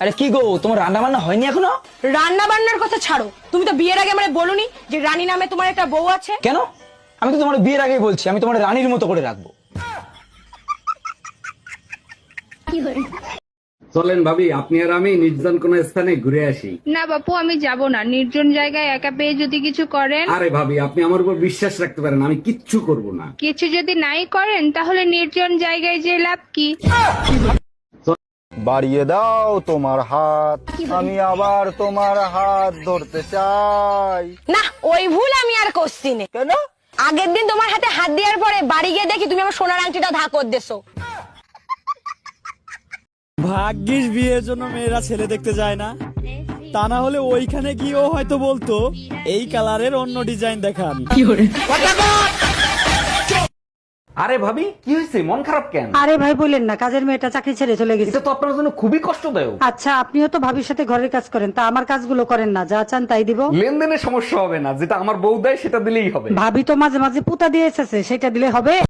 আরে কি গো, তোমার রান্না বান্না হয়নি এখনো? রান্না বান্নার কথা ছাড়ো, তুমি তো বিয়ের আগে আমারে বলোনি যে রানী নামে তোমার একটা বউ আছে। কেন? আমি তো তোমার বিয়ের আগেই বলছি আমি তোমার রানীর মতো করে রাখবো। চলেন ভাবি, আপনি আর আমি নির্জন কোন স্থানে ঘুরে আসি। না বাপু, আমি যাব না। নির্জন জায়গায় একা পেয়ে যদি কিছু করেন। আরে ভাবি, আপনি আমার উপর বিশ্বাস রাখতে পারেন, আমি কিচ্ছু করব না। কিছু যদি নাই করেন তাহলে নির্জন জায়গায় যে লাভ কি? বাড়িয়ে দাও তোমার হাত, আমি আবার তোমার হাত ধরতে চাই। না, ওই ভুল আমি আর করছি না। কেন? আগের দিন তোমার হাতে হাত দেওয়ার পরে বাড়ি গিয়ে দেখি তুমি আমার সোনার আংটিটা ধাকর দেছো। ভাগ্যিস বিয়ের জন্য মেয়েরা ছেলে দেখতে যায় না, তা না হলে ওইখানে গিয়েও হয়তো বলতো এই কালারের অন্য ডিজাইন দেখান। আরে ভাবি, কি হয়েছে? মন খারাপ কেন? আরে ভাই বলেন না, কাজের মেয়েটা চাকরি ছেড়ে চলে গেছে। এটা তো আপনার জন্য খুবই কষ্টদায়ক। আচ্ছা, আপনিও তো ভাবির সাথে ঘরের কাজ করেন, তা আমার কাজগুলো করেন না, যা চান তাই দিব। লেনদেনের সমস্যা হবে না, যেটা আমার বউ দেয় সেটা দিলেই হবে। ভাবি তো মাঝে মাঝে পুতা দিয়ে এসেছে, সেটা দিলে হবে।